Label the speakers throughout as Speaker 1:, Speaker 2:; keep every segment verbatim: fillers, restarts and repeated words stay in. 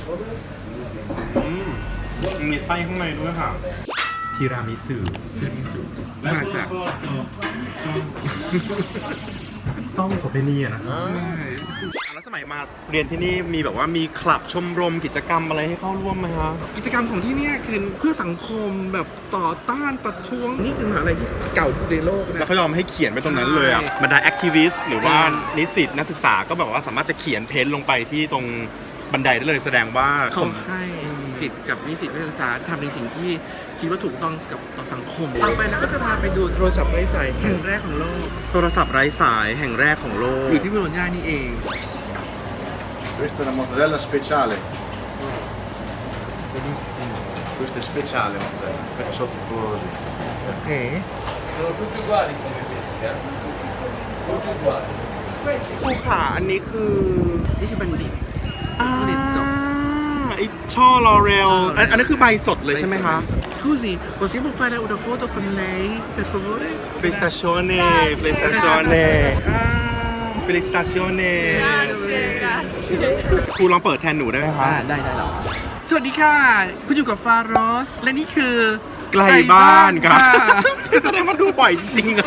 Speaker 1: มีไส้ข้างในด้วยค่ะทีรามิสุทีรามิสุมาจากซ่องซ่องโสเภณีอะนะใช่แล้วสมัยมาเรียนที่นี่มีแบบว่ามีคลับชมรมกิจกรรมอะไรให้เข้าร่วมไหมคะกิจกรรมของที่นี่คือเพื่อสังคมแบบต่อต้านประท้วงนี่คือมหาวิทยาลัยที่เก่าที่สุดในโลกนะแล้วเขายอมให้เขียนไปตรงนั้นเลยอ่ะบรรดาแอคทิวิสต์หรือว่านิสิตนักศึกษาก็แบบว่าสามารถจะเขียนเพ้นลงไปที่ตรงบันไดได้เลยแสดงว่าเขาให้สิทธิ์กับนิสิตนักศึกษาทำในสิ่งที่คิดว่าถูกต้องกับต่อสังคมต่อไปเราก็จะพาไปดูโทรศัพท์ไร้สายแห่งแรกของโลกโทรศัพท์ไร้สายแห่งแรกของโลกอยู่ที่โบโลญญานี่เอง
Speaker 2: Questa è una mortadella speciale. Benissimo. Questa è speciale mortadella, questa sotto così.
Speaker 1: Ok.
Speaker 3: Sono tutti uguali come pesci, eh? Tutti uguali.
Speaker 1: ครูขาอันนี้คือนี่คือบัณฑิตบัณฑิตจบไอช่อลอเรลอันนี้คือใบสดเลยใช่ไหมคะ Scusi, possiamo fare una foto con lei, per favore? Felicitazione, felicitazione. Felicitazione.
Speaker 4: Grazie, grazie.
Speaker 1: ครูลองเปิดแทนหนูได้ไหมคะได้ได้หรอสวัสดีค่ะคุณอยู่กับฟาโรสและนี่คือไกลบ้านค่ะแสดงว่าดูบ่อยจริงๆอะ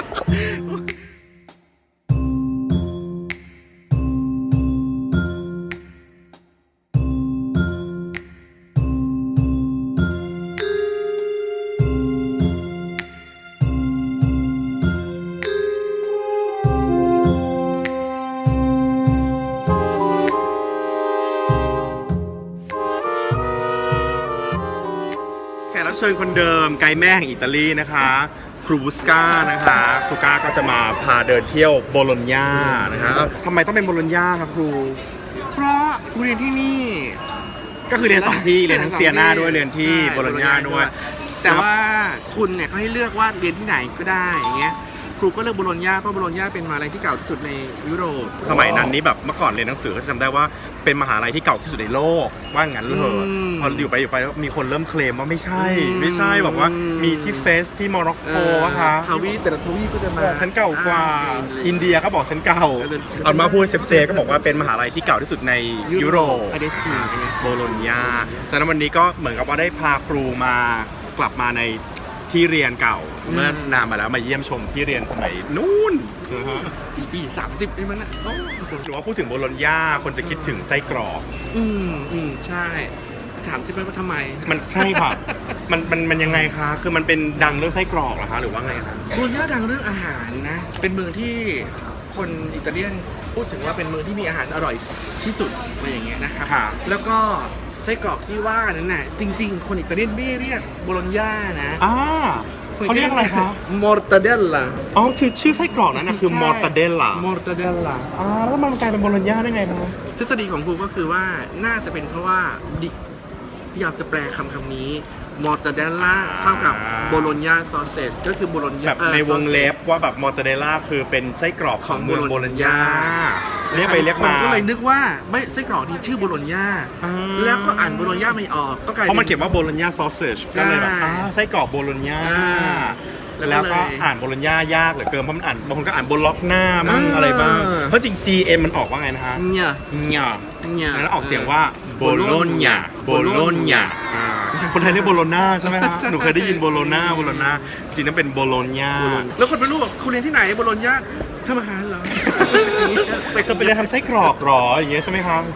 Speaker 1: รับเชิญคนเดิมไกด์แม่แห่งอิตาลีนะคะครูบุสกานะคะครูก้าก็จะมาพาเดินเที่ยวโบโลญญานะคะทำไมต้องเป็นโบโลญญาครับครูเพราะครูเรียนที่นี่ก็คือเรียนสองที่เรียนทั้งเซียนาด้วยเรียนที่โบโลญญาด้วยแต่ว่าทุนเนี่ยเขาให้เลือกว่าเรียนที่ไหนก็ได้อย่างเงี้ยครูก็เลือกโบโลญญาเพราะโบโลญญาเป็นมหาวิทยาลัยที่เก่าที่สุดในยุโรปสมัยนั้นนี่แบบเมื่อก่อนเรียนหนังสือก็จำได้ว่าเป็นมหาลัยที่เก่าที่สุดในโลกว่างั้นเลยพออยู่ไปอยู่ไปมีคนเริ่มเคลมว่าไม่ใช่ไม่ใช่บอกว่ามีที่เฟสที่โมร็อกโกอะคะทวีปแต่ละทวีปก็จะมาฉันเก่ากว่าอินเดียก็บอกฉันเก่าเอามาพูดเซฟเซก็บอกว่าเป็นมหาลัยที่เก่าที่สุดในยุโรปอันนี้จริงโบโลญญาฉะนั้นวันนี้ก็เหมือนกับว่าได้พาครูมากลับมาในที่เรียนเก่าเมื่อนานมาแล้วมาเยี่ยมชมที่เรียนสมัยนู้นปีปีสามสิบได้มั้ยนะหรือว่าพูดถึงโบโลญญาคนจะคิดถึงไส้กรอกอืมอืมใช่จะถามใช่ไหมว่าทำไมมันใช่ค่ะมันมันมันยังไงคะคือมันเป็นดังเรื่องไส้กรอกเหรอคะหรือว่าไงคะโบโลญญาดังเรื่องอาหารนะเป็นเมืองที่คนอิตาเลียนพูดถึงว่าเป็นเมืองที่มีอาหารอร่อยที่สุดอะไรอย่างเงี้ยนะครับแล้วก็ไส้กรอกที่ว่านั้นน่ะจริงๆคนอิตาเลียนไม่เรียกโบโลญญานะอ่าเขาเรียกอะไรคะมอร์ตาเดลล่าอ๋อคือชื่อไส้กรอกนั้นนะคือมอร์ตาเดลล่ามอร์ตาเดลล่าอ่าแล้วมันกลายเป็นโบโลญญาได้ไงคะทฤษฎีของครูก็คือว่าน่าจะเป็นเพราะว่าดิพยายามจะแปลคำคำนี้มอร์ตาเดลล่าเท่ากับโบโลญญาซอสเซจก็คือโบโลญญาแบบในวงเล็บว่าแบบมอร์ตาเดลล่าคือเป็นไส้กรอกของเมืองโบโลญญาเรียกไปเรียกมาก็เลยนึกว่าไม่ไส้กรอกนี้ชื่อโบโลญญาแล้วก็อ่านโบโลญญาไม่ออกก็กลายเพราะมันเขียนว่าโบโลญญาซอสเซจก็เลยแบบอ้าไส้กรอกโบโลญญาแล้วก็อ่านโบโลญญายากเหลือเกินเพราะมันอ่านบางคนก็อ่านโบล็อกหน้าบ้างอะไรบ้างเพราะจริง จี เอ็ม มันออกว่าไงนะฮะเนี่ยเนี่ยเนี่ยแล้วออกเสียงว่าโบโลญญาโบโลญญาคนไทยเรียกโบโลนาใช่ไหมฮะหนูเคยได้ยินโบโลนาโบโลนาจริงๆนั่นเป็นโบโลญญาแล้วคนไม่รู้ว่าคุณเรียนที่ไหนโบโลญญาทำอาหารเหรอไปก็ไปเรียนทำไส้กรอกหรออย่างเงี้ยใช่ไหมครับ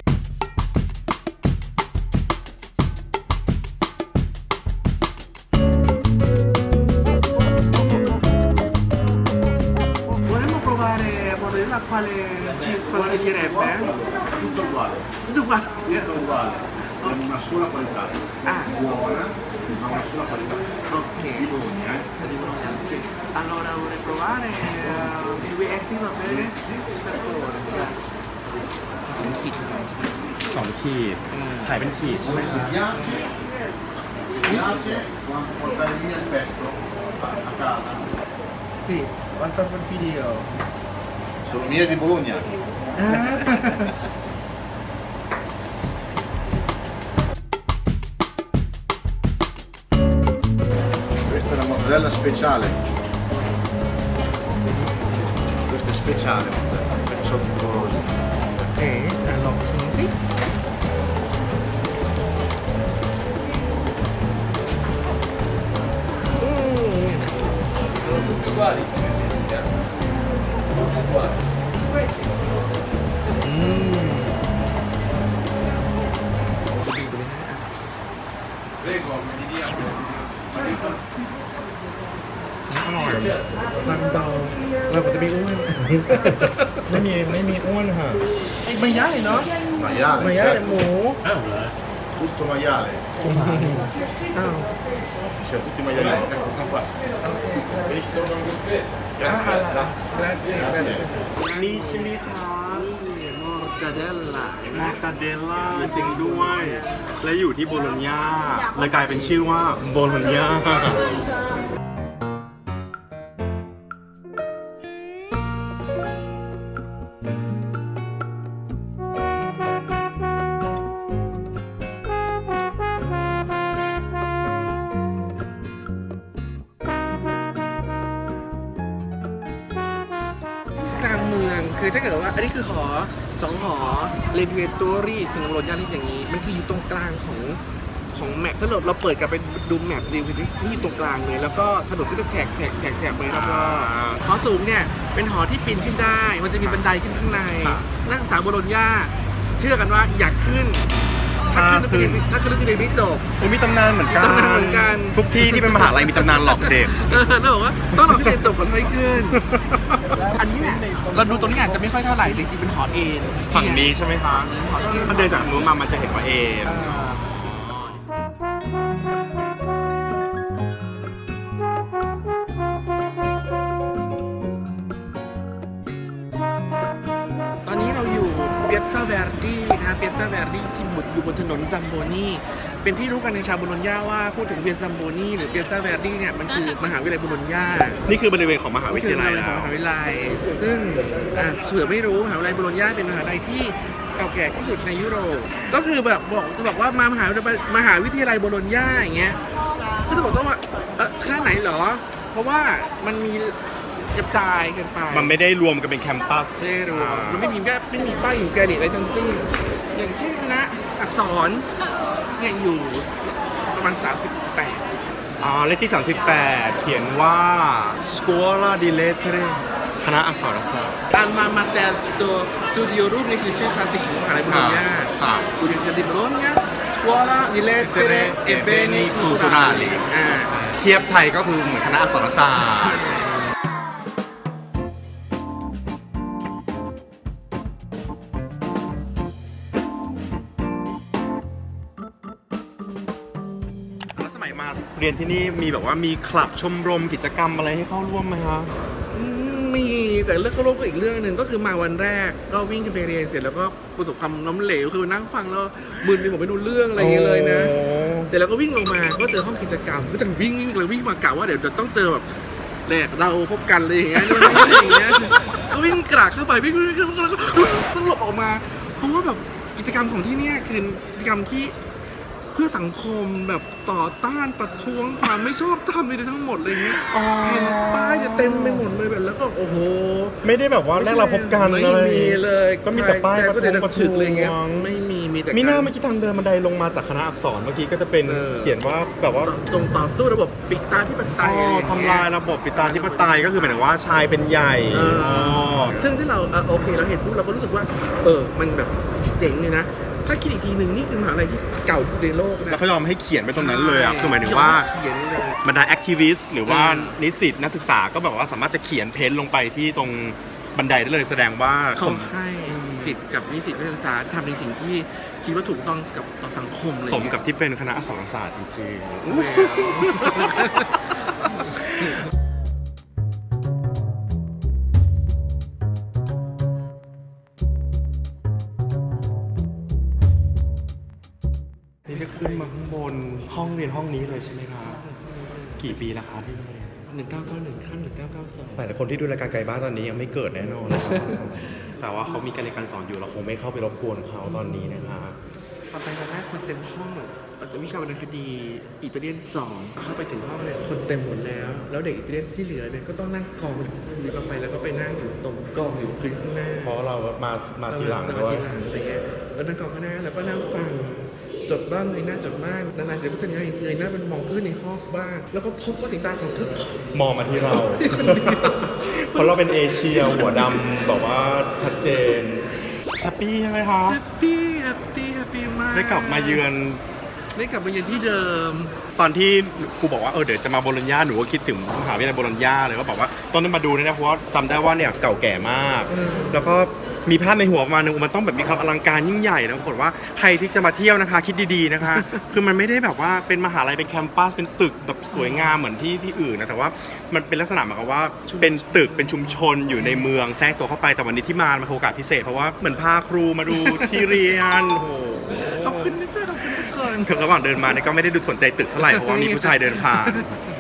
Speaker 1: quale ci sconsiglierebbe?
Speaker 2: Tutto uguale.
Speaker 1: Tutto uguale?
Speaker 2: Tutto uguale. Abbiamo una sola qualità. Ah. Buona, ma una sola qualità.
Speaker 1: Ok.
Speaker 2: Di Bologna, eh?
Speaker 1: Di Bologna, ok. Allora vorrei provare il due etti va bene? Per favore, grazie. สองขีดสองขีดสองขีดขายเป็นขีดใช่ไหม
Speaker 2: Se piace, piace quanto portare via il pezzo a casa.
Speaker 1: Sì, quanto per video.
Speaker 2: Sono miele di Bologna. Questa è la mortadella speciale. Questa è speciale, questa sotto così.
Speaker 1: Ok, allora sì. น่อย
Speaker 5: บางเบาเราก็จะไม่อ้วน
Speaker 1: ไม่มีไม่มีอ้วนค่ะ
Speaker 5: ไม่ย่ายเนาะ
Speaker 2: Maiale,
Speaker 5: ไม่ย่าย
Speaker 2: certo.
Speaker 5: หมู
Speaker 2: Tutto maiale.
Speaker 5: อ้าว
Speaker 2: Siamo tutti maiali. Ecco qua. Visto? Grazie.
Speaker 5: grazie grazie
Speaker 1: นี่ใช่ไหมคะ
Speaker 5: มอร์ตาเดลล่า
Speaker 1: มาตาเดลล่าจริงด้วย และอยู่ที่โบโลญญาเลยกลายเป็นชื่อว่าโบโลญญา
Speaker 5: กลางเมืองคือถ้าเกิดว่าอันนี้คือหอสองหอเรนเวตอรี่ถึงโรยาลิสอย่างนี้ มันคืออยู่ตรงกลางของของแมปถ้าเราเราเปิดกลับไปดูแมปดีนี่นี่อยู่ตรงกลางเลย แล้วก็ถนนก็จะแฉกแฉกแฉกแฉกไปรอบๆหอสูงเนี่ยเป็นหอที่ปีนขึ้นได้ มันจะมีบันไดขึ้นข้างในนักศึกษาโบโลญญาเชื่อกันว่าอยากขึ้น ถ้าขึ้นแล้วจะเรียนถ้าขึ้นแล้วจะเรียนไม่จบ
Speaker 1: โอ้มีตำนานเหมือนกัน
Speaker 5: มีตำนานเหมือนกัน
Speaker 1: ทุกที่ที่เป็นมหาลัยมีตำนานหลอกเด็ก
Speaker 5: เออแล้วบอกว่าต้องรอให้เรียนจบก่อนค่อยขึ้น อันนี้เนี่ยเราดูตรงนี้อาจจะไม่ค่อยเท่าไหร่จริงๆเป็นหอเอน
Speaker 1: ฝั่งนี้ใช่ไหมคะ
Speaker 5: หอเอน
Speaker 1: ถ้าเดินจากนู้นมามันจะเห็นว่าเอม
Speaker 5: เออตอนนี้เราอยู่เปียซาเวร์ดีนะเปียซาเวร์ดีที่อยู่บนถนนซัมโบนีเป็นที่รู้กันในชาวโบโลญญาว่าพูดถึงเปียซัมโบนีหรือเปียซาเวร์ดีเนี่ยมันคือมหาวิทยาลัยโบโลญญา
Speaker 1: นี่คือบริเวณของมหาวิ
Speaker 5: นี่
Speaker 1: ท
Speaker 5: คือย
Speaker 1: าลัย
Speaker 5: ม
Speaker 1: แล้
Speaker 5: หาว วิทยาลัย ซึ่งอ่ะเผื่อไม่รู้มหาวิทยาลัยโบโลญญาเป็นมหาวิทยาลัยที่เก่าแก่ที่สุดในยุโรป ก็คือแบบบอกจะบอกว่ามามหาวิทยาลัยมหาวิทยาลัยโบโลญญาอย่างเงี้ย ก็จะบอกต้องว่าเออคณะไหนเหรอ เพราะว่ามันมีกระจายกันไป
Speaker 1: มันไม่ได้รวมกันเป็นแคมปัส
Speaker 5: ไม่ได้รวมมันไม่มีแค่ไม่มีป้ายหินแกรนิตอะไรทั้งสิ้น อย่างเช่นคณะอักษรเนี่ยอยู่ประมาณสามสิบแปด
Speaker 1: อ๋อเลขที่ สามสิบแปด เขียนว่า Scuola di Lettere คณะอักษรศาสตร์
Speaker 5: ตามมามาแต่ตัวสตูดิโอรูปนี่คือชื่อคลาสสิกของมหาลัยโบโลญญา
Speaker 1: ครับ
Speaker 5: Università di Bologna Scuola di Lettere e Beni Culturali อ่า
Speaker 1: เทียบไทยก็คือเหมือนคณะอักษรศาสตร์ แล้วสมัยมาเรียนที่นี่มีแบบว่ามีคลับชมรมกิจกรรมอะไรให้เข้าร่วมไหมคะ
Speaker 5: อืมมีแต่เรื่องเข้าร่วมก็อีกเรื่องหนึ่งก็คือมาวันแรกก็วิ่งขึ้นไปเรียนเสร็จแล้วก็ประสบความล้มเหลวคือนั่งฟังแล้วมึนไปหมดไม่รู้เรื่องอะไรอย่างเงี้ยเลยนะ
Speaker 1: โอ้
Speaker 5: เสร็จแล้วก็วิ่งลงมาก็เจอห้องกิจกรรม ก็จะวิ่งวิ่งเลยวิ่งมากะว่าเดี๋ยวจะต้องเจอแบบแหลกเราพบกันอะไรอย่างเงี้ยนู่นนี่อะไรอย่างเงี้ยก็วิ่งกรากเข้าไปวิ่งวิ่งวิ่งแล้วก็ต้องหลบออกมาเพราะว่าแบบกิจกรรมของที่เนี่ยคือกิจกรรมที่เพื่อสังคมแบบต่อต้านประท้วงความไม่ชอบธรรมอะไรทั้งหมดเลยเงี้ยแผ่นป้ายจะเต็มไปหมดเลยแบบแล้วก็โอ้โห
Speaker 1: ไม่ได้แบบว่าแรกเราพบกัน
Speaker 5: ไม่
Speaker 1: อะไร
Speaker 5: มีเลย
Speaker 1: ก็มีแต่ป้าย
Speaker 5: ใจก็จะ
Speaker 1: ประท้วง
Speaker 5: ฉึกเลยเงี้ยไม่มีมีแต่
Speaker 1: มีหน้า
Speaker 5: การ
Speaker 1: เมื่อกี้ทางเดินบันไดลงมาจากคณะอักษรเมื่อกี้ก็จะเป็น
Speaker 5: เออ
Speaker 1: เขียนว่าแบบว่า
Speaker 5: จงต่อสู้ระบบปิดตาที่ปไตยอะไรอย่างเงี้ย
Speaker 1: ทำลายระบบปิตาธิปไตยก็คือหมายถึงว่าชายเป็นใหญ่
Speaker 5: เออ
Speaker 1: อ๋อ
Speaker 5: ซึ่งที่เราเออโอเคเราเห็นปุ๊บเราก็รู้สึกว่า เออมันแบบเจ๋งเลยนะ ถ้าคิดอีกทีหนึ่งนี่คือมหาลัยที่เก่าที่สุดในโลกนะ
Speaker 1: แล้วเขายอมให้เขียนไปตรงนั้นเลยอ่ะคือหมายถึงว่า
Speaker 5: เขียนเลย
Speaker 1: บรรดาแอคทิวิสต์หรือว่า
Speaker 5: อืม
Speaker 1: นิสิตนักศึกษาก็แบบว่าสามารถจะเขียนเพ้นท์ลงไปที่ตรงบันไดได้เลยแสดงว่า
Speaker 5: เขา
Speaker 1: สม
Speaker 5: ให้สิทธิ์กับนิสิตนักศึกษาทำในสิ่งที่คิดว่าถูกต้องกับต่อสังคมเลย
Speaker 1: สมกับที่เป็นคณะอักษรศาสตร์จริง ๆ นี่ได้ขึ้นมาข้างบนห้องเรียนห้องนี้เลยใช่ไหมครับกี่ปีแล้วครับที่นี่
Speaker 5: หนึ่งเก้าเก้าหนึ่งข้ามหนึ่งเก้าเก้าสอง
Speaker 1: หลายคนที่ดูรายการไกลบ้านตอนนี้ยังไม่เกิดแน่นอนนะครับ แต่ว่าเขามีการเรียนการสอนอยู่เราคงไม่เข้าไปรบกวนเขาตอนนี้นะครับ
Speaker 5: ตอนไปวันแรกคนเต็มห้องแบบอาจจะวิชาวรรณคดีอิตาเลียนสองเข้าไปถึงห้องเนี่ยคนเต็มหมดแล้ว แล้วเด็กอิตาเลียนที่เหลือเนี่ยก็ต้องนั่งกองอยู่พื้นเราไปแล้วก็ไปนั่งอยู่ตรงกองอยู่พื้นข้างหน้า
Speaker 1: เพราะเรามามาทีหลัง
Speaker 5: เรา
Speaker 1: ด้ว
Speaker 5: มาย ทีหลังอะไรเงี้ยแล้วนั่งกองข้างหน้าแล้วก็นั่งฟังจดบ้างเงยหน้าจดบ้างนานๆเดี๋ยวก็จะเงยเงยหน้าเป็นมองเพื่อนในห้องบ้างแล้วก็พบว่าสายตาของทุกคน
Speaker 1: มองมาที่เรา เพราะเราเป็นเอเชียหัวดำแบบว่าชัดเจนแฮปปี้ใช่ไหมคะ
Speaker 5: แฮปปี้แฮปปี้แฮปปี้มาก
Speaker 1: ได้กลับมาเยือน
Speaker 5: ได้กลับมาเยือนที่เดิม
Speaker 1: ตอนที่ครูบอกว่าเออเดี๋ยวจะมาโบโลญญาหนูก็คิดถึงมหาวิทยาลัยโบโลญญาเลยก็บอกว่าตอนนั้นมาดูเนี่ยนะเพราะว่าจำได้ว่าเนี่ยเก่าแก่มาก แล้วก็มีภาพในหัวประมาณนึงมันต้องแบบมีความอลังการยิ่งใหญ่นะปรากฏว่าใครที่จะมาเที่ยวนะคะ คิดดีๆนะคะ คือมันไม่ได้แบบว่าเป็นมหาลัยเป็นแคมปัสเป็นตึกแบบสวยงามเหมือนที่ที่อื่นนะแต่ว่ามันเป็นลักษณะเหมือนกับว่าเป็นตึกเป็นชุมชนอยู่ในเมืองแทรกตัวเข้าไปแต่วันนี้ที่มามันโอกาสพิเศษเพราะว่าเหมือนพาครูมาดูที่เรียนโอ้โห
Speaker 5: ขอบคุณนะเจ้าขอบคุณทุกคน
Speaker 1: ระหว่างเดินมาเนี่ยก็ไม่ได้ดูสนใจตึกเท่าไหร่เพราะว่ามีผู้ชายเดินผ่าน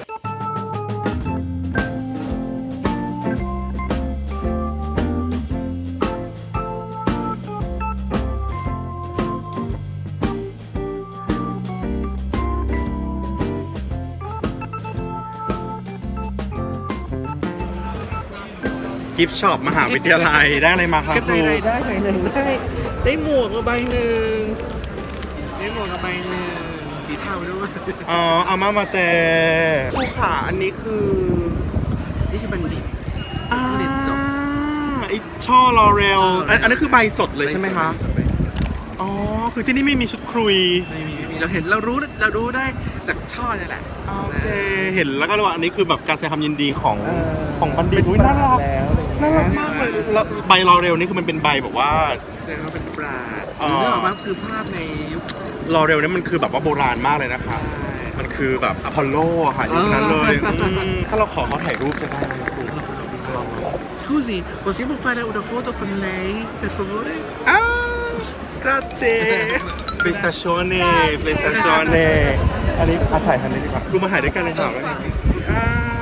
Speaker 1: กิฟต์ช็อปมหาวิทยาลัยได้อะไรมาครับ
Speaker 5: กระ
Speaker 1: ค
Speaker 5: จาย
Speaker 1: รู
Speaker 5: รายได้หน่อยหนึ่งได้ได้หมวกกับใบหนึ่งได้หมวกกับใบหนึ่งสีเทาด้วย
Speaker 1: อ๋ออามามาแต่ครูขาอันนี้คือ
Speaker 5: นี่คือบัณฑิต
Speaker 1: อ่า
Speaker 5: เรียนจบ
Speaker 1: ไอช่อลอเรล
Speaker 5: ช่อ L'Oreal
Speaker 1: อันอันนี้คือใบสดเลยใช่ไหมคะ อ๋อ คือที่นี่ไม่มีชุดครุย
Speaker 5: ไม่มีไม่มีเราเห็นเรารู้เรารู้ได้จากช่อนี่แหละ
Speaker 1: โอเค เห็นแล้วก็รู้ว่าอันนี้คือแบบการแสดงความยินดีของ
Speaker 5: เออ
Speaker 1: ของบัณฑิตอุ๊ยน่ารัก
Speaker 5: แล้วอะไรอย่างเงี้
Speaker 1: น่าย รักมากเลยแล้วใบลอเรลนี่คือมันเป็นใบแบบว่า
Speaker 5: แต่เขาเป็นปราด
Speaker 1: อ๋อ
Speaker 5: เรื่องออกมาคือภาพในยุค
Speaker 1: ลอเรลนี่มันคือแบบว่าโบราณมากเลยนะคะ มันคือแบบอพอลโลค่ะอย่างนั้นเลยอืมถ้าเราขอเขาถ่ายรูปจะได้ไหมครูลองไหม
Speaker 5: Scusi, possiamo fare una foto con lei, per favore?
Speaker 1: อ้าว grazie prestazione prestazione อันนี้อาถ่ายทันนี้ดีกว่าครูมาถ่ายด้วยกันเลยค่ะอ่า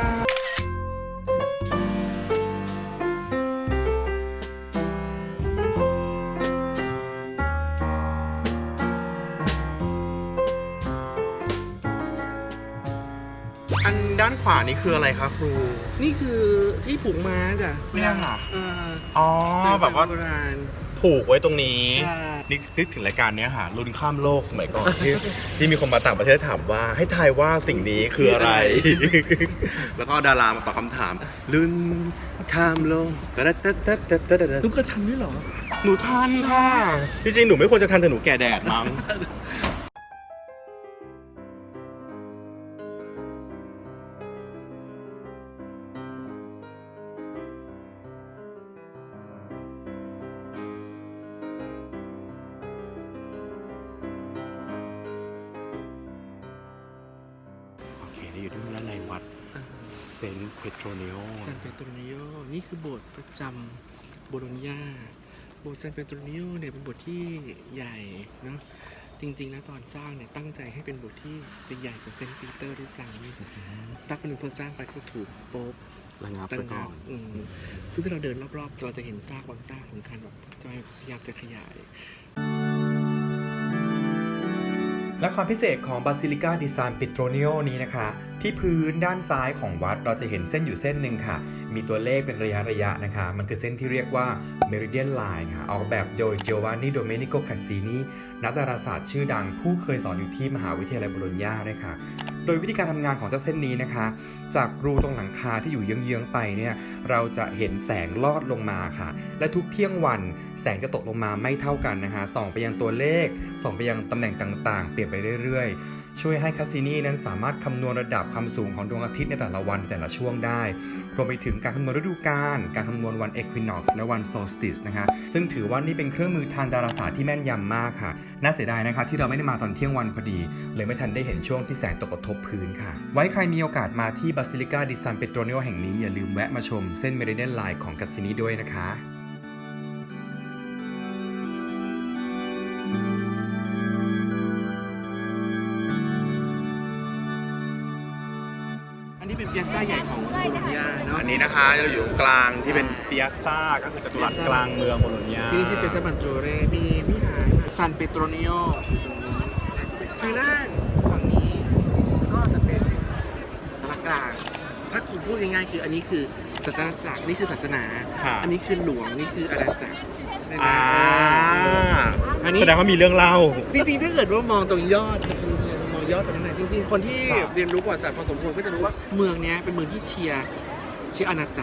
Speaker 1: อันด้านขวานี่คืออะไรคะครู
Speaker 5: นี่คือที่ผูกม้าจ้ะ
Speaker 1: เนี่ยค่ะ
Speaker 5: เออ
Speaker 1: อ๋อ แบบว่า
Speaker 5: โบราณ
Speaker 1: ผูกไว้ตรงนี้
Speaker 5: ใช่
Speaker 1: นี่นึกถึงรายการเนี้ยค่ะรุ่นข้ามโลกสมัยก่อน ที่ที่มีคนมาต่างประเทศถามว่าให้ทายว่าสิ่งนี้คืออะไร แล้วก็ดารามาตอบคำถามรุ่นข้ามโลกตะดะตะตะตะตะตะ
Speaker 5: ลูกกระทันด้วยเหรอ
Speaker 1: หนูทันค่ะ จริงๆ หนูไม่ควรจะทันแต่หนูแก่แดดมั้ง โอเคนี่อยู่ที่ด้านในวัดเซนต์เพโตรเนโอ
Speaker 5: ซานเปโตรเนโยนี่คือโบสถ์ประจำโบโลญญา โบสถ์ซานเปโตรเนโยเนี่ยเป็นโบสถ์ที่ใหญ่เนาะ จริงๆแล้วตอนสร้างเนี่ยตั้งใจให้เป็นโบสถ์ที่จะใหญ่กว่าเซนต์ปีเตอร์ด้วยซ้ำตักเป็นหนึ่งพอสร้างไปก็ถูกโป๊บ
Speaker 1: ระงับ
Speaker 5: ตั้
Speaker 1: ไป
Speaker 5: ง
Speaker 1: ก่
Speaker 5: งั
Speaker 1: อบ น
Speaker 5: อืมซึ่งถ้าเราเดินรอบๆ เราจะเห็นซากบางซากของคันแบบจะพยายามจะขยาย
Speaker 6: และความพิเศษของบาซิลิกาดิซานปิโตรเนโอนี้นะคะ ที่พื้นด้านซ้ายของวัดเราจะเห็นเส้นอยู่เส้นหนึ่งค่ะ มีตัวเลขเป็นระยะระยะนะคะ มันคือเส้นที่เรียกว่า Meridian Line ค่ะ ออกแบบโดย Giovanni Domenico Cassini นักดาราศาสตร์ชื่อดังผู้เคยสอนอยู่ที่มหาวิทยาลัยโบโลญญาด้วยค่ะ โดยวิธีการทำงานของเจ้าเส้นนี้นะคะ จากรูตรงหลังคาที่อยู่เยื้องๆไปเนี่ยเราจะเห็นแสงลอดลงมาค่ะ และทุกเที่ยงวันแสงจะตกลงมาไม่เท่ากันนะคะส่องไปยังตัวเลขส่องไปยังตำแหน่งต่างๆ เปลี่ยนไปเรื่อยๆ ช่วยให้คาสซินีนั้นสามารถคำนวณระดับความสูงของดวงอาทิตย์ในแต่ละวันในแต่ละช่วงได้รวมไปถึงการคำนวณฤดูกาลการคำนวณวัน Equinox และวัน Solstice นะคะซึ่งถือว่านี่เป็นเครื่องมือทางดาราศาสตร์ที่แม่นยำมากค่ะน่าเสียดายนะคะที่เราไม่ได้มาตอนเที่ยงวันพอดีเลยไม่ทันได้เห็นช่วงที่แสงตกกระทบพื้นค่ะไว้ใครมีโอกาสมาที่บาซิลิกาดิซานเปโตรเนโอแห่งนี้อย่าลืมแวะมาชมเส้น Meridian Line ของคาสซินีด้วยนะคะ
Speaker 5: อันนี้เป็นเปียซ่าใหญ่ของโบโลญญาเนาะ
Speaker 1: อันนี้นะคะเราอยู่กลางที่เป็นเปียซ่าก็คือจัตุรัสกลางเมืองโบโลญญา
Speaker 5: ที่นี่ชื่อเปียซ่าบันโจเรมีวิหารซานเปโตรเนโอทางด้านฝั่งนี้ก็จะเป็นสารกลาง ถ้าคุณพูดง่ายๆคืออันนี้คือศาสนาจักรนี่คือศาสนา
Speaker 1: ค่ะ
Speaker 5: อันนี้คือหลวงนี่คืออาณาจักรได้ไหม
Speaker 1: อ่า
Speaker 5: อันนี้
Speaker 1: แสดงว่ามีเรื่องเล่า
Speaker 5: จริงๆ ถ้าเกิดว่ามองตรงยอดมองยอดตรงนั้นนะจริงๆ คนที่
Speaker 1: ครับ
Speaker 5: เรียนรู้ประวัติศาสตร์พอสมควรก็จะรู้ว่าเมืองเนี้ยเป็นเมืองที่เชียร์เชียร์อาณาจักร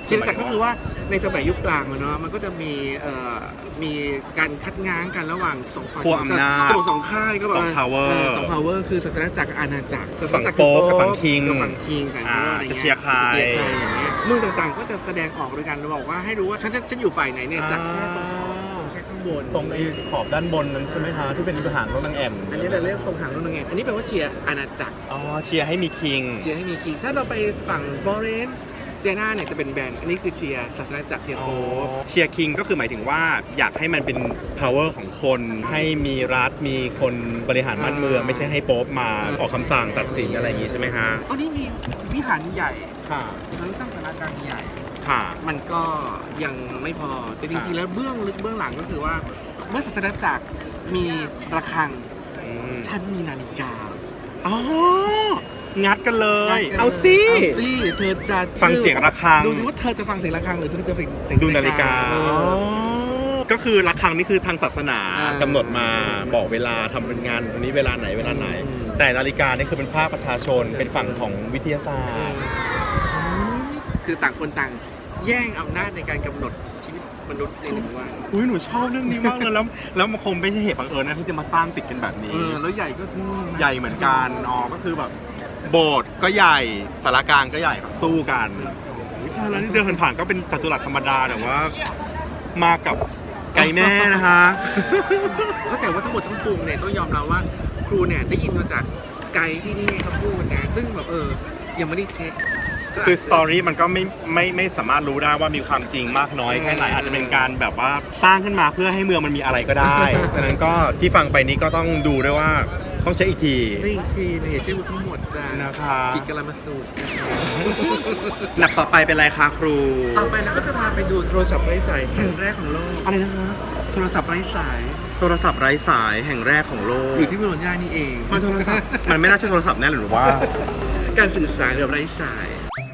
Speaker 5: เชียร์จักรก็คือว่าในสมัยยุคกลางอะเนาะมันก็จะมีเอ่อมีการคัดง้างกันระหว่างสองฝั่ง
Speaker 1: ขั้วอำนาจ
Speaker 5: จะบอกสองค่ายก็แบบ
Speaker 1: สอง power
Speaker 5: เสอง power คือศาสนาจักรกับอาณาจักร
Speaker 1: ฝั่งโป๊ปกับฝั่งคิง
Speaker 5: กับฝั่งคิงกัน
Speaker 1: อ่า
Speaker 5: อะไรงี้
Speaker 1: จะเชียร์ใคร
Speaker 5: จะเชียร์ใครอย่างเงี้ยเมืองต่างๆก็จะแสดงออกโดยการบอกว่าให้รู้ว่าฉันฉันฉันอยู่ฝ่ายไหนเนี่ยจากแค่ตรงแค่ข้างบน
Speaker 1: ตรงไอ้ขอบด้านบนนั้นใช่ไหมคะที่เป็นทหารของนางแอ่น
Speaker 5: อันนี้เราเรียกทรงหางนกนางแอ่นอันนี้แปลว่าเชียร์อาณาจักร
Speaker 1: อ๋อเชียร์ให้มีคิง
Speaker 5: เชียร์ให้มีคิงถ้าเราไปฝั่งฟลอเรนซ์เซียนาเนี่ยจะเป็นแบรนด์อันนี้คือเชียร์ศาสนาจักรเชียร์โป๊ป
Speaker 1: เชียร์คิงก็คือหมายถึงว่าอยากให้มันเป็น power ของคน ให้มีรัฐมีคนบริหารบ้านเมือง ไม่ใช่ให้โป๊ปมาออกคำสั่งตัดสินอะไรอย่างงี้ใช่ไหมฮะ
Speaker 5: อันนี้มีวิหารใหญ่
Speaker 1: ค่ะ
Speaker 5: ทั้งสร้างสารกลางใหญ่
Speaker 1: ค่ะ
Speaker 5: มันก็ยังไม่พอ แต่จริงๆ แล้วเบื้องลึกเบื้องหลังก็คือว่า เมื่อศาสนาจักรมีระฆัง
Speaker 1: อืม
Speaker 5: ฉันมีนาฬิกา
Speaker 1: อ๋อ งัดกันเลย เอาสิ
Speaker 5: เอาสิเธอจะ
Speaker 1: ฟังเสียงระฆัง
Speaker 5: ดูสิว่าเธอจะฟังเสียงระฆังหรือเธอจะฟังเสียง
Speaker 1: ดูนาฬิกา
Speaker 5: เออ
Speaker 1: อ๋อก็คือระฆังนี่คือทางศาสนา
Speaker 5: อ่าก
Speaker 1: ำหนดมาบอกเวลาทำเป็นงานตรงนี้เวลาไหนเวลาไหน
Speaker 5: อืม
Speaker 1: แต่นาฬิกานี่คือเป็นภาคประชาชนเป็นฝั่งของวิทยาศาสตร์
Speaker 5: คือต่างคนต่างแย่งอำนาจในการกำหนดชีวิตมนุษย์ในหนึ่งวัน
Speaker 1: อุ้ยหนูชอบเรื่องนี้มากเลยแล้วแล้วมันคงไม่ใช่เหตุบังเอิญนะที่จะมาสร้างติดกันแบบนี้
Speaker 5: เออแล้วใหญ่ก็คือ
Speaker 1: ใหญ่เหมือนกันอ๋อก็คือแบบโบสถ์ก็ใหญ่สารกลางก็ใหญ่แบบสู้กันอุ๊ยตายแล้วนี่เดินผ่านๆก็เป็นจัตุรัสธรรมดาแต่ว่า มากับไก่แม่นะคะ
Speaker 5: ก็แต่ว่าทั้งหมดทั้งปวงเนี่ยต้องยอมรับว่าครูเนี่ยได้ยินมาจากไกด์ที่นี่เขาพูดนะซึ่งแบบเออยังไม่ได้เช็คก็
Speaker 1: คือสตอรี่มันก็ไม่ไม่ไม่สามารถรู้ได้ว่ามีความจริงมากน้อยแค่ไหนอาจจะเป็นการแบบว่าสร้างขึ้นมาเพื่อให้เมืองมันมีอะไรก็ได้ ฉะนั้นก็ที่ฟังไปนี้ก็ต้องดูด้วยว่าต้องเช็คอีกที
Speaker 5: จริงทีเนี่ยอย่าเชื่อทั้งหมดจ้า
Speaker 1: นะคะ
Speaker 5: ผิดกลมาสูตร
Speaker 1: หนักต่อไปเป็นอะไรคะครู
Speaker 5: ต่อไปเราก็จะพาไปดูโทรศัพท์ไร้สายแห่งแรกของโลก
Speaker 1: อะไรนะคะ
Speaker 5: โทรศัพท์ไร้สาย
Speaker 1: โทรศัพท์ไร้สายแห่งแรกของโลก
Speaker 5: อยู่ที่โบโลญญานี่เอง
Speaker 1: มันโทรศัพท์มันไม่น่าใช่โทรศัพท์แน่หรือว่า
Speaker 5: การสื่อสารแบบไร้สาย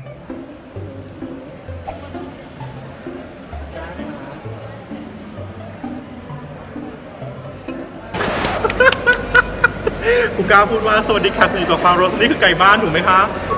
Speaker 1: ครูก้าวพูดว่าสวัสดีค่ะคุณอยู่กับฟาโรสนี่คือไก่บ้านถูกไหมคะ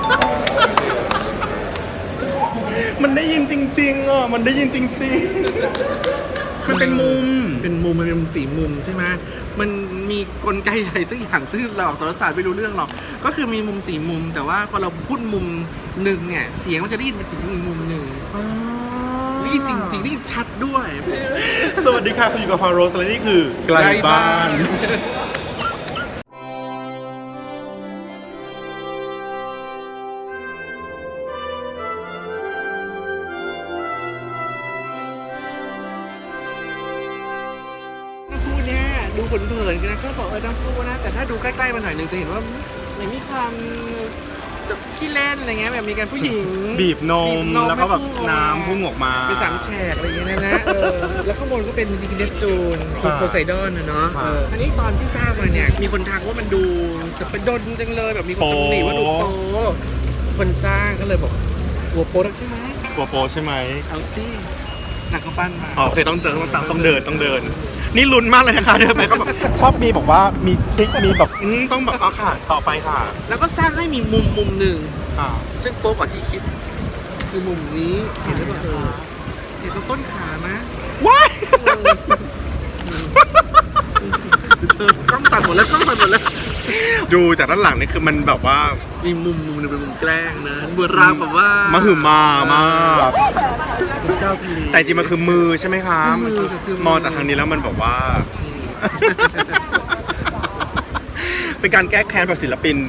Speaker 1: มันได้ยินจริงๆอ่ะมันได้ยินจริงๆ มันเป็นมุม
Speaker 5: เป็นมุมมันเป็นมุมสีมุมใช่ไหมมันมีกลไกใหญ่สักอย่างซึ่งเราสารศาสตร์ไม่รู้เรื่องหรอกก็คือมีมุมสีมุม แต่ว่าพอเราพูดมุมหนึ่งเนี่ยเสียงมันจะได้ยินเป็นถึงอีกมุมหนึ่งได้ยินจริงๆได้ยินชัดด้วย
Speaker 1: สวัสดีค่ะคุณอยู่กับฟาโรสและนี่คือไกลบ้าน
Speaker 5: น้ำพุเนี่ยดูเผินๆกันนะก็บอกเออน้ำพุนะ แต่ถ้าดูใกล้ๆมาหน่อยหนึงจะเห็นว่ามันมีความแบบขี้เล่นอะไรเงี้ยแบบมีการผู้หญิง
Speaker 1: บีบนม
Speaker 5: บี
Speaker 1: แล้วก็แบบ
Speaker 5: ให้
Speaker 1: น้ำพุ่งออกมา
Speaker 5: เป็นสามแฉกอะไรอย่างเงี้ยนะเออแล้วข้างบนก็เป็นจริงๆเนปจูน
Speaker 1: ครับ
Speaker 5: โพไซดอนนะเนาะ
Speaker 1: ครับ
Speaker 5: เอออันนี้ตอนที่ทราบมาเนี่ยมีคนทักว่ามันดูสเปดนจังเลยแบบมีคนตำหนิว่าดูโปคนสร้างก็เลยบอกกลัวโปแล้วใช่ไหม
Speaker 1: กลัวโปใช่ไหม
Speaker 5: เอาสิหนักก็ปั้นมา
Speaker 1: อ๋อโอเคต้องเดินต้องตามต้องเดินต้องเดิน นี่ลุ้นมากเลยนะคะเดินไปก็แบบชอบมีบอกว่ามีทริคมีแบบอืมต้องแบบเอาค่ะต่อไปค่ะ
Speaker 5: แล้วก็สร้างให้มีมุมมุมหนึ่ง
Speaker 1: อ่า
Speaker 5: ซึ่งโป๊กว่าที่คิด คือมุมนี้เห็นหรือเปล่าเออเห็นตรงต้นขาไหม
Speaker 1: ว้าย
Speaker 5: เออกล้องสั่นหมดแล้วกล้องสั่นหมดแล้ว
Speaker 1: ดูจากด้านหลังนี่คือมันแบบว่า
Speaker 5: มีมุมมุมหนึงเป็นมุมแกล้งนะเบือราวแบบว่าม
Speaker 1: หึมามาก
Speaker 5: เป็นเจ้าทะเล
Speaker 1: แต่จริงมันคือมือใช่ไหมคะ
Speaker 5: คือมือ
Speaker 1: มัน
Speaker 5: คือมือ
Speaker 1: มองจากทางนี้แล้วมันแบบว่า เป็นการแก้แค้นแบบศิลปิน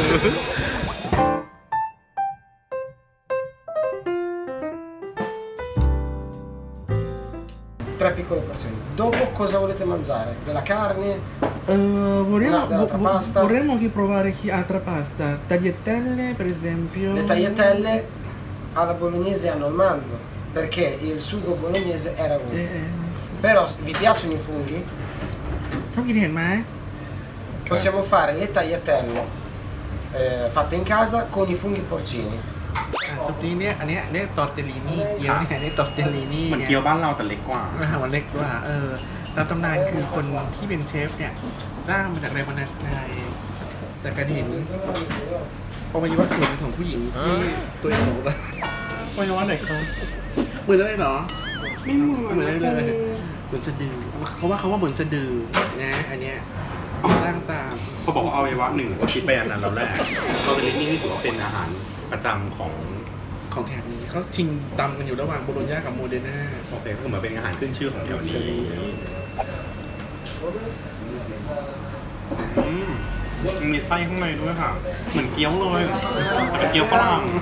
Speaker 7: Tre piccole porzioni. Dopo cosa volete mangiare? Della carne?
Speaker 5: เออ vorremmo
Speaker 7: Una- dell'altra
Speaker 5: vo-
Speaker 7: pasta?
Speaker 5: vorremmo anche provare chi altra pasta tagliatelle per esempio
Speaker 7: Le tagliatelle alla bolognese hanno il manzo, perché il sugo bolognese era uno.
Speaker 5: เออเออ
Speaker 7: Però vi piacciono i funghi?
Speaker 5: ชอบกินเห็นไหม
Speaker 7: Possiamo fare le tagliatelle eh, fatte in casa con i funghi porcini.
Speaker 5: อ่ะซุปนี้เนี่ยอันเนี้ยเรียกตอร์เตลลินี่เกี๊ยวเนี่ยเรียกตอร์เตลลินี่
Speaker 1: เหมือน
Speaker 5: เนี่ย
Speaker 1: เกี๊ยวบ้านเราแต่เล็กกว่า
Speaker 5: อาหารวันเล็กกว่าเออตามตำนานคือคนที่เป็นเชฟเนี่ยสร้างมาจากแรงบันดาลใจแต่การเห็นอวัยวะส่วนของผู้หญิงที่ตัวเองหลงรัก
Speaker 1: ว่าจะว่าไหนคะ
Speaker 5: เมือนเลยเหรอไม่เหมือนเหมือนเลยเลยเหมือนสะดือเขาว่าเขาว่าเหมือนสะดือนะอันเนี้ยร่างตาม
Speaker 1: เขาบอกว่าเอาไว้ว่าหนึ่งก็คิดไปอันนั้นแล้วแหละตอนนี้นี่ถือว่าเป็นอาหารประจำของ
Speaker 5: ของแถบนี้เขาชิงตำกันอยู่ระหว่างโบโลญญากับโมเดอร์นา
Speaker 1: โอเคก็เหมือนเป็นอาหารขึ้นชื่อของแถวนี้อืมมันมีไส้ข้างในด้วยค่ะ เหมือนเกี๊ยวเลยแต่เป็นเกี๊ยวฝรั่ง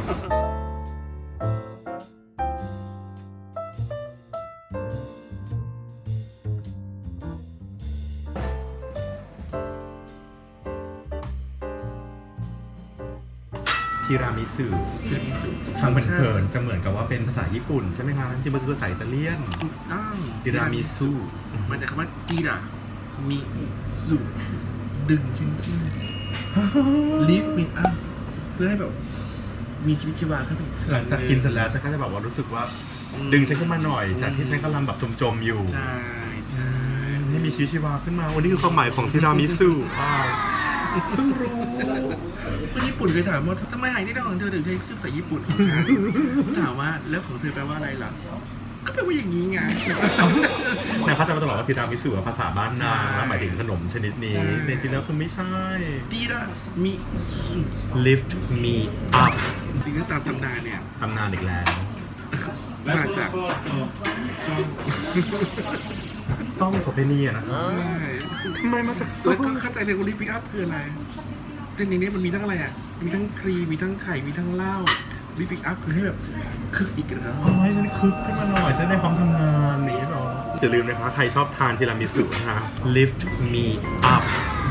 Speaker 1: ทีรามิสุทางเพลินๆจะเหมือนกับว่าเป็นภาษาญี่ปุ่นใช่ไหมคะจริงๆมันคือภาษาอิตาเลียน
Speaker 5: อ้าว
Speaker 1: ทีรามิสุ
Speaker 5: มาจากคำว่าจีรามิสุดึงฉันขึ้น lift me up เพื่อให้แบบมีชีวิตชีวาขึ้นไปอี
Speaker 1: หลังจากกินเสร็จแล้วฉันก็จะแบบว่ารู้สึกว่าดึงฉันขึ้นมาหน่อย จากที่ฉันกำลังแบบจมๆอยู่
Speaker 5: ใช่ใช่
Speaker 1: ให้มีชีวิตชีวาขึ้นมาวันนี้คือความหมายของทีรามิสุว้าวเพิ่งรู้
Speaker 5: คนญี่ปุ่นเคยถามว่าทำไมอาหารที่เราของเธอถึงใช้ชื่อภาษาญี่ปุ่นของฉันถามว่าแล้วของเธอแปลว่าอะไรล่ะก็แปลว่าอย่างนี้ไง
Speaker 1: แต่เขาจะมาตลอดว่าทีรามิสุภาษาบ้านนาง
Speaker 5: ใช่
Speaker 1: แล้วหมายถึงขนมชนิดนี้
Speaker 5: ใช่
Speaker 1: แต่จริงๆแล้วคือไม่ใช่
Speaker 5: จีรามิสุ
Speaker 1: lift me up
Speaker 5: จริงๆตามตำนานเนี่ย
Speaker 1: ตำนานอีกแล้ว
Speaker 5: มาจากซ่อง
Speaker 1: ซ่องโสเภณีอะนะ
Speaker 5: ใช่
Speaker 1: ทำไมมาจากซ่อ
Speaker 5: แล้ว
Speaker 1: ง
Speaker 5: ก็เข้าใจเลยว่าลิปปิ้งอัพคืออะไรแต่ในนี้มันมีทั้งอะไรอ่ะมีทั้งครีมมีทั้งไข่มีทั้งเหล้าลิปปิ้งอัพคือให้แบบคึกอีกแล้ว
Speaker 1: เอาให้ฉันคึกขึ้นมาหน่อยฉันได้ความทำงานนี้หรออย่าลืมนะคะใครชอบทานทีรามิสุนะคะ lift me up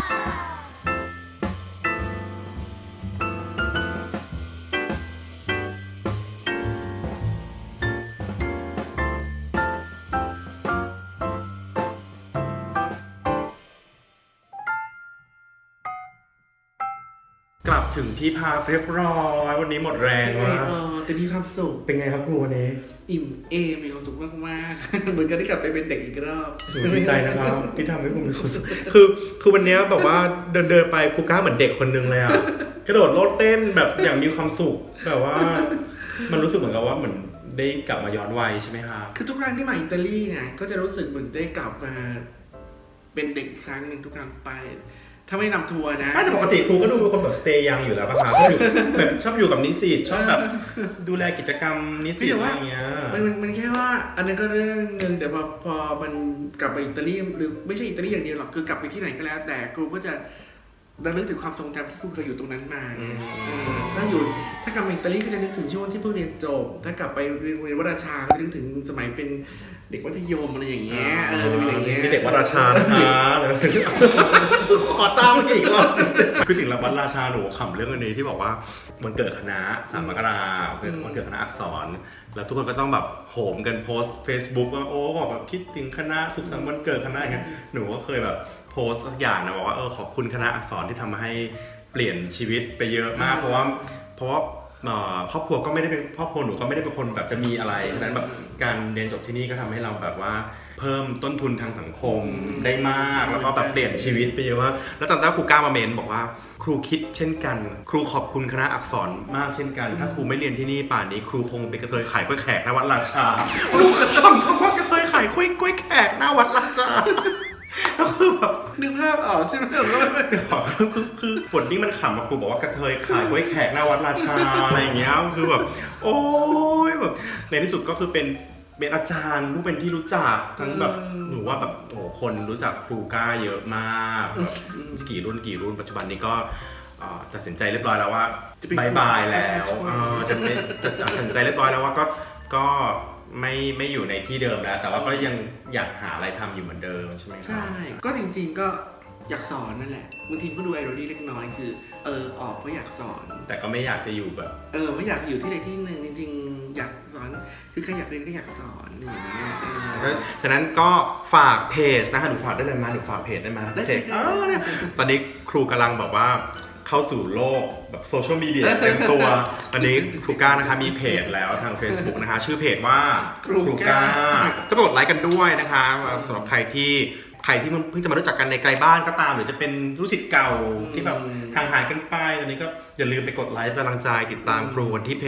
Speaker 1: กลับถึงที่พักเรียบร้อยวันนี้หมดแรง
Speaker 5: เป็นไง
Speaker 1: ว่า
Speaker 5: เออแต่มีความสุข
Speaker 1: เป็นไงครับครูวันนี้
Speaker 5: อิ่มเอมมีความสุขมากๆ เหมือนกันได้กลับไปเป็นเด็กอีกรอบ
Speaker 1: หนูดีใจนะครับที่ทำให้ผมมีความสุขคือคือวันนี้แบบว่าเดินเดินไปครูก้าเหมือนเด็กคนนึงเลยอ่ะกระโดดโลดเต้นแบบอย่างมีความสุขแบบว่า มันรู้สึกเหมือนกับว่าเหมือนได้กลับมาย้อนวัยใช่ไหมครับ
Speaker 5: คือทุกครั้งที่มาอิตาลีเนี่ยก็จะรู้สึกเหมือนได้กลับมาเป็นเด็กอีกครั้งหนึ่งทุกครั้งไป ถ้าไม่นำทัวร์นะ
Speaker 1: ไม่แต่ปกติครูก็ดูเป็นคนแบบสเตย์ยังอยู่แล้วป่ะคะชอบอยู่แบบชอบอยู่กับนิสิตชอบแบบดูแลกิจกรรมนิสิตอะไรอย่างเงี้ย
Speaker 5: มันมันมันแค่ว่าอันนั้นก็เรื่องหนึ่งแต่พอพอมันกลับไปอิตาลีหรือไม่ใช่อิตาลีอย่างเดียวหรอกคือกลับไปที่ไหนก็แล้ว แต่ครูก็จะระลึกถึงความทรงจำที่ครูเคยอยู่ตรงนั้นมาไงเออถ้าอยู่ถ้ากลับมาอิตาลีก็จะนึกถึงช่วงที่เพิ่งเรียนจบถ้ากลับไปเรียนโรงเรียนวราชาก็นึกถึงสมัยเป็นเด็กมัธยมอะไรอย่างเงี้ยเออจะเป็นอย่างเงี้ย
Speaker 1: มีเด็กวัดราชานะคะขอตามอีกรอบคือถึงวัดราชาหนูขำเรื่องอันนี้ที่บอกว่าวันเกิดคณะสามมกราคมวันเกิดคณะอักษรแล้วทุกคนก็ต้องแบบโหมกันโพสต์ Facebook ว่าโอ้บอกแบบคิดถึงคณะสุขสันต์วันเกิดคณะอย่างเงี้ยหนูก็เคยแบบโพสต์สักอย่างนะบอกว่าเออขอบคุณคณะอักษรที่ทำให้เปลี่ยนชีวิตไปเยอะมากเพราะว่าเพราะว่าครอบครัวก็ไม่ได้เป็นครอบครัวหนูก็ไม่ได้เป็นคนแบบจะมีอะไรฉะนั้นแบบการเรียนจบที่นี่ก็ทำให้เราแบบว่าเพิ่มต้นทุนทางสังคมได้มากแล้วก็แบบเปลี่ยนชีวิตไปเยอะมากแล้วจำได้ครูก้ามาเมนบอกว่าครูคิดเช่นกันครูขอบคุณคณะอักษรมากเช่นกันถ้าครูไม่เรียนที่นี่ป่านนี้ครูคงเป็นกระเทยขายกล้วยแขกหน้าวัดราชาลูกกระทำคำว่ากระเทยขายกล้วยกล้วยแขกหน้าวัดราชาแล้วคือแบบ
Speaker 5: นึกภาพออกใช่ไหม
Speaker 1: คือคือบทนี้มันขำมาครูบอกว่ากระเทยขายกล้วยแขกหน้าวัดราชาอะไรอย่างเงี้ยคือแบบโอ้ยแบบในที่สุดก็คือเป็นเป็นอาจารย์ผู้เป็นที่รู้จักทั้งแบบหนูว่าแบบโอ้คนรู้จักครูก้าเยอะมากแบบกี่รุ่นกี่รุ่นปัจจุบันนี้ก็ตัดสินใจเรียบร้อยแล้วว่าบายบายแล้วจะตัดสินใจเรียบร้อยแล้วว่าก็ก็ไม่ไม่อยู่ในที่เดิมแล้วแต่ว่าก็ยังอยากหาอะไรทำอยู่เหมือนเดิมใช่ไหมครับ
Speaker 5: ใช่ก็จริงๆก็อยากสอนนั่นแหละบางทีก็ดูไอโรดี้เล็กน้อยคือเออออกเพราะอยากสอน
Speaker 1: แต่ก็ไม่อยากจะอยู่แบบ
Speaker 5: เออไม่อยากอยู่ที่ใดที่หนึ่งจริงๆอยากสอนคือใครอยากเรียนก็อยากสอนอย่างเงี้ยเออ
Speaker 1: ฉะนั้นก็ฝากเพจนะคะหนูฝากได้เลยมาหนูฝากเพจได้ไหม
Speaker 5: ได้
Speaker 1: เพจ
Speaker 5: ได้
Speaker 1: เออเนี่ยตอนนี้ครูกำลังแบบว่าเข้าสู่โลกแบบโซเชียลมีเดียเต็มตัว ตอนนี้ครูก้านะคะมีเพจแล้วทาง Facebook นะคะชื่อเพจว่า
Speaker 5: ครูก้า
Speaker 1: ก็ไปกดไลค์กันด้วยนะคะสำหรับใครที่ใครที่เพิ่งจะมารู้จักกันในไกลบ้านก็ตามหรือจะเป็นรู้จักเก่าที่แบบห่างหายกันไปตอนนี้ก็อย่าลืมไปกดไลค์เป็นกำลังใจติดตามครูกันที่เพจ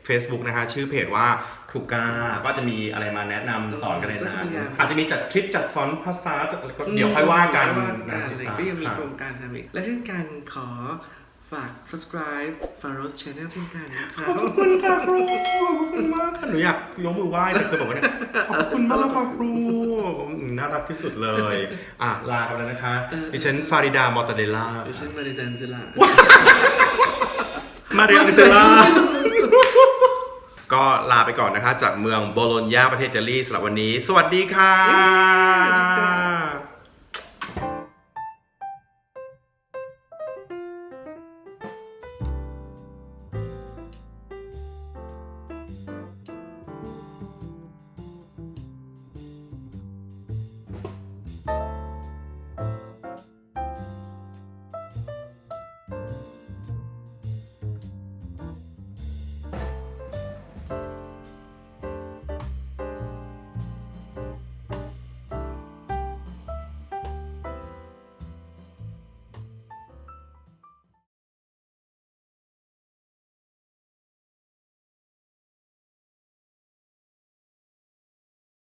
Speaker 1: Facebook นะคะชื่อเพจว่าครูก้าก็จะมีอะไรมาแนะนำสอนกันใน
Speaker 5: ก็จะ
Speaker 1: นั้
Speaker 5: พ
Speaker 1: น
Speaker 5: ยายาม
Speaker 1: อาจจะมีจัดทริปจัดสอนภาษาจัดก็เดี๋ยวค่อยว่ากัน
Speaker 5: ค่อยว่ากัน
Speaker 1: นะ
Speaker 5: อะไรก็ยังมีโครงการทำอีกและเช่นกันขอฝาก subscribe Faros Channel เช่นกันนะครับ
Speaker 1: ขอบคุณค่ะครูขอบคุณมากค่ะหนูอยากยกมือไหว้แต่เคยบอกว่าเนี่ยขอบคุณมากค่ะครูอืมน่ารักที่สุดเลยอ่ะลากันแล้วนะคะดิฉันฟาริดามอตเตเดล่า
Speaker 5: ดิฉันมาริจันเจล่า
Speaker 1: มาเรียนเจล่าก็ลาไปก่อนนะคะจากเมืองโบโลญญาประเทศอิตาลีสำหรับวันนี้ สวัสดีค่ะ